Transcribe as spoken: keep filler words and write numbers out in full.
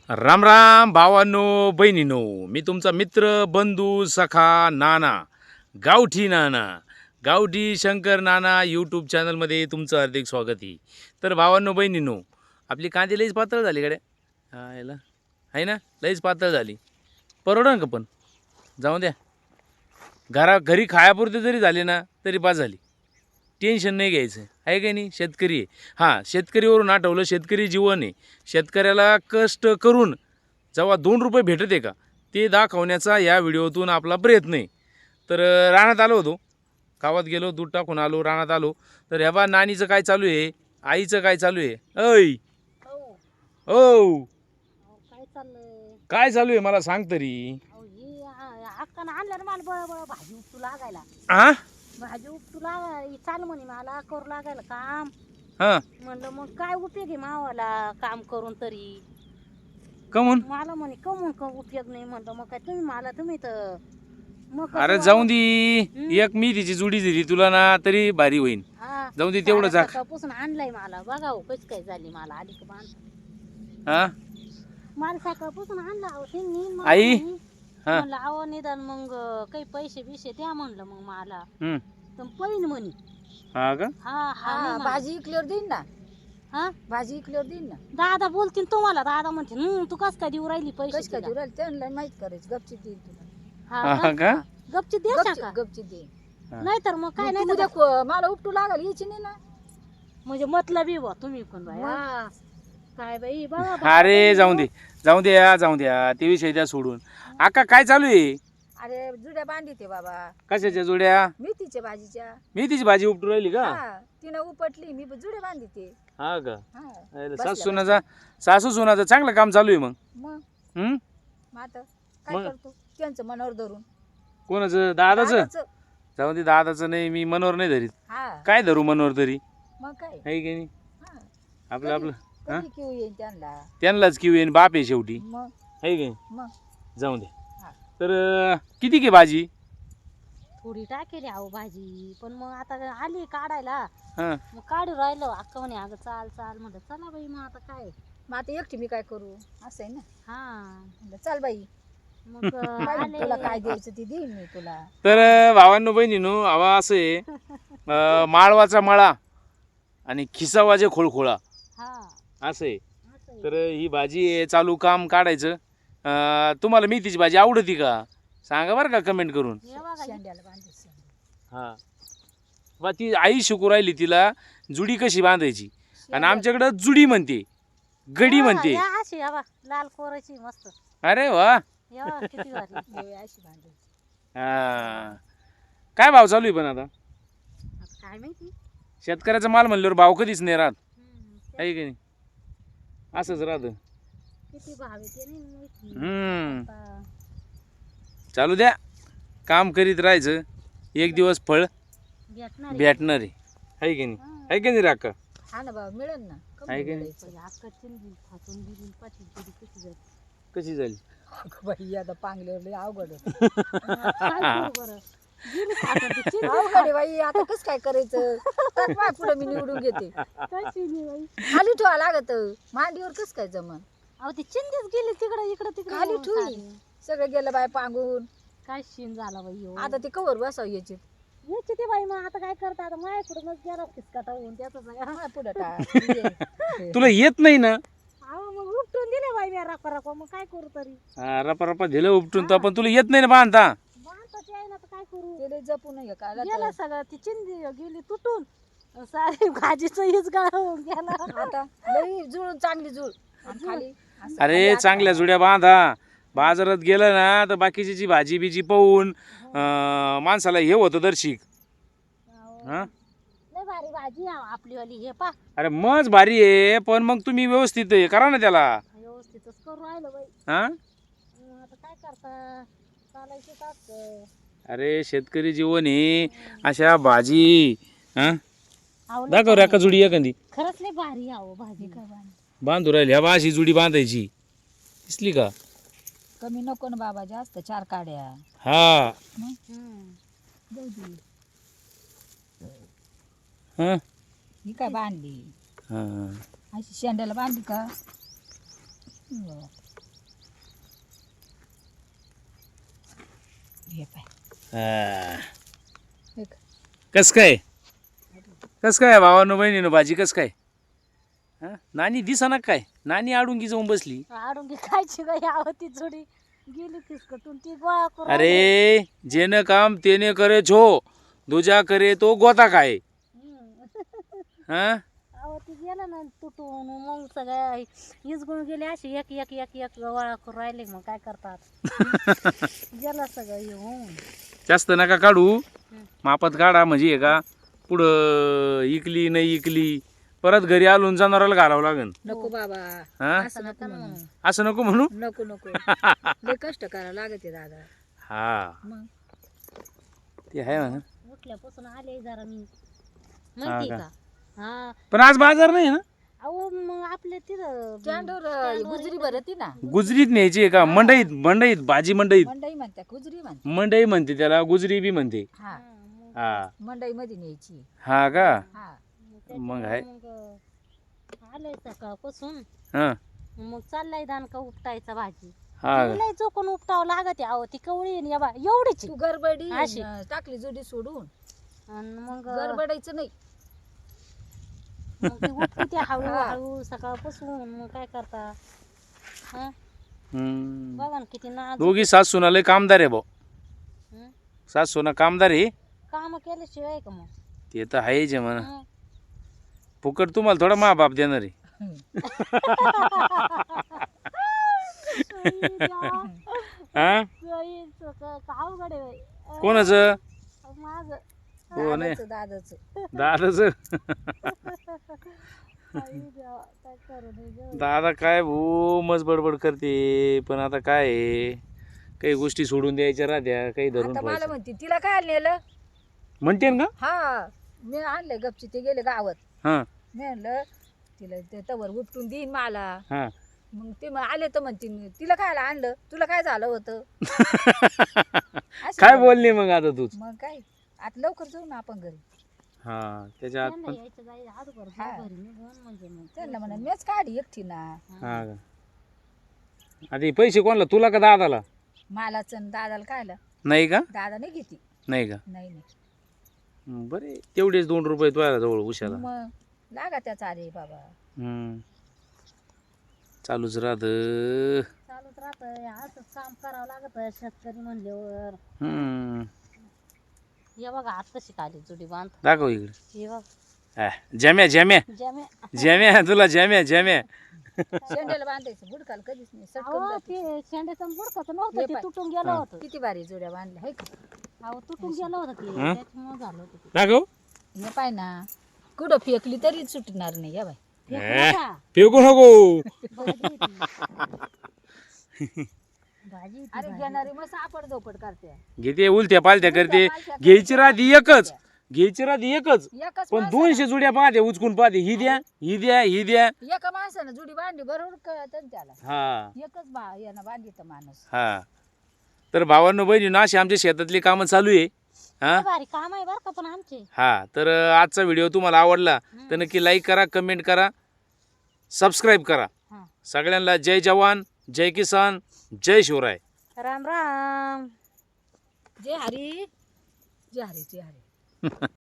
राम राम भावांनो बहिणीनो, मी तुमचा मित्र बंधू सखा नाना, गावठी नाना, गावठी शंकर नाना यूट्यूब चॅनलमध्ये तुमचं हार्दिक स्वागत आहे. तर भावांनो बहिणीनो, आपली कांदे लईच पातळ झाली गड्या. हा याला आहे ना, लईच पातळ झाली. परवडन का? पण जाऊ द्या, घरा घरी खायापुरते जरी झाले ना तरी पास झाली. टेन्शन नाही घ्यायचं, आहे का नाही. शेतकरी आहे. हां, शेतकरीवरून आठवलं, शेतकरी जीवन आहे. शेतकऱ्याला कष्ट करून जेव्हा दोन रुपये भेटत आहे का ते दाखवण्याचा या व्हिडिओतून आपला प्रयत्न आहे. तर रानात आलो होतो, गावात गेलो, दूध टाकून आलो, रानात आलो. तर ह्या बा नानीचं काय चालू आहे, आईचं काय चालू आहे. ऐ ओ काय चाललंय? काय चालू आहे मला सांग तरी. अहो ही अक्कानं आणलं ना मला बळ बळ भाजी उपटू लागायला. आ भाजी उपटू लागायला चाल म्हणे मला करू लागायला काम. हां, म्हणलं मग काय उपयोग आहे मावाला काम करून तरी. कमून मला म्हणे कमून का उपयोग नाही. म्हणलं मग काय तुम्ही मला तुम्ही तर मग अरे जाऊन दे, एक मी तिची जुडी दिली तुला ना तरी भारी होईन. जाऊन दे तेवढं जा. सकाळपासून आणलंय मला बघा हो कशी काय झाली मला आली का बांध. हा मला सकाळपासून आणला अहो त्यांनी. मग आई? म्हणे, हा. म्हणलं अहो निदान मग काही पैसे बिशे द्या म्हणलं मग मला. हम्म. तर पैन म्हणे. हा का? हा हा भाजी इकल्यावर देईन ना. हा भाजी इकल्यावर देईन ना. दादा बोलतील तुम्हाला. दादा म्हणते हम्म तू कस काय देऊ राहिली पैसे कशी काय तिला?" देऊ राहिली त्यांना माहित करायचं. गपची देईन तुला. हा हा का? का? गपची द्यायचा का? गपची दे. नाही तर मग काय मग नाही तू तर उद्या को- मला उपटू लागाल यायची नाही ना. म्हणजे मतलबी बा तुम्ही पण बाई. हा. काय बाई बघा अरे जाऊन दे, जाऊन द्या, जाऊन द्या, ते विषय द्या सोडून. आका काय चालू आहे? अरे जुड्या बांधी ते बाबा. कशाच्या जोड्या? मेथीच्या भाजीच्या. मी तिची भाजी उपटू राहिली का? हा तिनं उपटली मी जुड्या बांधी ते. हा का? हा अरे, बसल्या सासू सुनाचा सासू सुनाचं चांगलं काम चालू आहे मग. मग हम्म. मग आता काय मग? करतो त्यांचं मनावर धरून. कोणाचं? दादाचं? दादाचं. जाऊन दे, दादाचं नाही, मी मनोर नाही धरीत. हा काय धरू मनोर तरी, मग काय. आहे की नाही. हा आपलं आपलं हा? कधी किव येईन त्यांना. त्यांनाच किव येईन, बाप आहे शेवटी, मग आहे की नाही. मग जाऊन दे. हा. तर अं, किती घे भाजी? थोडी टाकेली अहो भाजी. पण मग आता आली काढायला. हा मग काढू राहिलो. अक्का म्हणे अगं चाल चाल. म्हणलं चला बाई मग आता काय. मग आता एकटी मी काय करू असं आहे ना. हा म्हणलं, चल बाई मग बाई, तुला काय आले. द्यायचं ते देईन मी तुला. तर अं, भावांनो बहिणीनो, हवा असं आहे, अं, माळवाचा मळा आणि खिसावाजे खोळखोळा हा असं आहे. असं आहे. तर ही भाजी आहे, चालू काम काढायचं. अं, तुम्हाला मेथीची भाजी आवडती का सांगा बरं का कमेंट करून. हे बघा ही- शेंड्याला बांधायचं शेंड्या. हां बा, ती आई शिकू राहिली तिला जुडी कशी बांधायची. आणि आमच्याकडं जुडी म्हणते, गडी हा, म्हणते. या अशी या बा लाल कोराची मस्त. अरे वा. या बा, किती भारी. हे अशी बांधायची. हा, काय भाव चालू आहे पण आता? आता काय माहिती. शेतकऱ्याचा माल म्हणल्यावर भाव कधीच नाही राहत, हम्म, आहे की नाही. असंच राहतं. किती भाव आहे ते नाही माहिती. हम्म. आता चालू द्या, काम करीत राहायचं, एक दिवस फळ भेटणार आहे. भेटणार आहे, आहे की नाही. आहे की नाही राका? हा ना बाबा मिळेल ना. कमी आहे की नाही? मिळायचं. पहिले अक्का चिंधी फाटून दिली पाठी दिली कशी जाते. कशी झाली? अगं बाई आता पांगल्यावर लय अवघड आहे. काय करू बरं. गेली फाटून ती चिंधी अवघड आहे बाई आता कसं काय करायचं. टाक पाय पुढे मी निवडून घेते. कशी नाही बाई. खाली ठेवा लागत मांडीवर कसं काय जमन. अहो ती चिंधीच गेली तिकडं इकडं तिकडं. खाली ठेवी. सगळं गेलं बाय पांगून. काय शीन झाला बाई ह्यो. आता ते कवर बसाव याचे. याची ते बाई मग आता काय करता. आता माझ्याकडूनच गेला फिसकाटा होऊन त्याचा सगळा. पुढे टाक. तुला येत नाही ना. अहो मग उपटून दिले बाई मी रपा रपा. मग काय करू तरी. हा, रपा रपा दिलं उपटून, तर पण तुला येत नाही ना बांधता. बांधताच आहे ना तर काय करू. ते लय जपून हे काय गेला सगळं. ती चिंधी गेली तुटून. सारी भाजीचं हीच गाळ होऊन गेला. आता लई जुळून चांगली जुळ. आणि खाली असं अरे खाली असं चांगल्या जुड्या बांधा. बाजारात गेलं ना तर बाकीची जी भाजी बिजी पाहून अं, माणसाला हे होतं दर्शिक. हा, लय भारी भाजी आहे आपली वाली. हे पा अरे मज भारी आहे, पण मग तुम्ही व्यवस्थित हे करा ना त्याला. व्यवस्थितच करू राहिलं बाई. हा, अं, आता काय करता. चालायचं टाक. अरे शेतकरी जीवन आहे, अशा भाजी. हा, आवडलं दाखव का राका जुडी एखादी. खरंच लय भारी आहो भाजी. काय बांधू राहिली ह्या अशी जुडी बांधायची, दिसली का. कमी नको ना बाबा जास्त चार काड्या. हा जाऊ दे. हा ही काय बांधली हा अशी शेंड्याला बांधली का. हे पाय हा. हे का? कस काय कस काय भावानं बहिणीनं भाजी कस काय हा नानी दिसा काय नानी आडून जाऊन बसली आडून घे खायची का यावं ती जोडी गेली फिसकटून ती गोळा करून राहिली. अरे जेनं काम तेने करे छो दुजा करे तो गोता काय हम्म. हा अहो ती गेला ना तुटून मग सगळ्या इजगुण गेले अशी एक एक एक एक गोळा करून राहिले मग काय करतात गेलं सगळं येऊन जास्त नका काढू मापात काढा म्हणजे हे का पुढं इकली नाही इकली परत घरी आलून जनावराला घालावं लागेल नको बाबा हा असं नको म्हणू. असं नको म्हणू नको नको लय कष्ट करावं लागत आहे दादा हा मग ते आहे म्हणा उठल्यापासून आले जरा मी माहिती का? का हा पण आज बाजार नाही ना अहो मग आपल्या तिथं स्टँडवर गुजरी भरती ना गुजरीत न्यायची आहे का मंडईत मंडईत भाजी मंडईत मंडई म्हणते गुजरी म्हणते मंडई म्हणते त्याला गुजरी बी म्हणते हा हा मंडई मध्ये न्यायची हा का हा मग आहे मग आलंय सकाळपासून हा मग चाललाय दानका उपटायचा भाजी हा का? लय चोकून उपटावं लागत अहो ती कवळी आहे ना या बा एवढीच तू गडबडी अशी. अन टाकली जोडी सोडून आणि मग गडबडायचं नाही मग ती उपटी ती हळू हा. हळू सकाळपासून मग काय करता हा हम्म. बघा ना किती नाजूक दोघी सास सुना लय कामदार आहे भाऊ हं? सास सुना कामदार आहे काम केल्याशिवाय का मग ते तर आहेच आहे म्हणा हं? फुकट तुम्हाला थोडा मा बाप देणार आहे हा गाईचं का- का अवघड आहे बाई. अं, कोणाचं माझं हो नाही दादाचं दादाचं दादाच आई देवा, काय करू दे गं. दादा काय भो मज बडबड करते पण आता काय आहे काही गोष्टी सोडून द्यायच्या राहत्या काही धरून आता मला ठेवायच्या म्हणते तिला काय नेलं म्हणते ना का हा मी आणले गपची ते गेले गावात हा मी म्हणलं तिला ते तवर उपटून देईन मला हा मग ते मग आले तर म्हणते तिला काय आणलं तुला काय झालं होतं अशी काय बोलली. बोलली मग आता तूच मग काय आता लवकर जाऊ ना आपण घरी हा त्याच्या आत त्यांना पण यायचं जायचं अगोदर हा. घरी निघून म्हणजे मग त्यांना म्हणा मीच काढी एकटी ना हा का आता हे पैसे कोणाला तुला का दादाला मालाच दादाला कायला नाही का दादा नाही घेते नाही का नाही नाही हं, बरे तेवढेच दोन रुपये तुझ्या जवळ उशाला मग लागा त्याचा अरे बाबा हम्म. चालूच राहत चालूच राहतंय असंच काम करावं लागत शेतकरी म्हणल्यावर हम्म हे बघा आत कशी खाली जुडी बांध दाखव इकडे हे बघ हा, जम्या जम्या जमे जम्या तुला जम्या जम्या शेंड्याला बांधायचं बुडकाल कधीच नाही सटकन अहो जाते. ते शेंड्याचं बुडकं हे नव्हतं ते पाय. तुटून गेलं हा. होतं किती भारी जोड्या बांधल्या हाय का अहो तुटून गेलं होतं ते हं? त्याच्यामुळे झालं होतं ते दाखव हे पाय ना कुठं फेकली तरी सुटणार नाही या बाय फेकू हे. नका. फेकू नको भाजी होती. भाजी होती, अरे भाजी. घेणारी मग सापड झोपड करते घेते उलट्या पालत्या करते पालथ्या घ्यायची करते. राहते एकच घ्यायची राहते एकच एकच पण माणसानं- दोनशे जुड्या पाहते उचकून पाहते ही द्या ही द्या ही द्या एका माणसानं जुडी बांधली बरोबर कळत ना त्याला हा एकच बा यानं बांधित माणूस हा तर भावांनो बहिणींनो अशी आमच्या शेतातली कामं चालू आहे हा लय भारी काम आहे बरं का पण आमचे हा तर अ, आजचा व्हिडिओ तुम्हाला आवडला तर नक्की लाईक करा कमेंट करा सबस्क्राईब करा हा. सगळ्यांना जय जवान जय किसान जय शिवराय राम राम जय हरी जय हरी जय हरी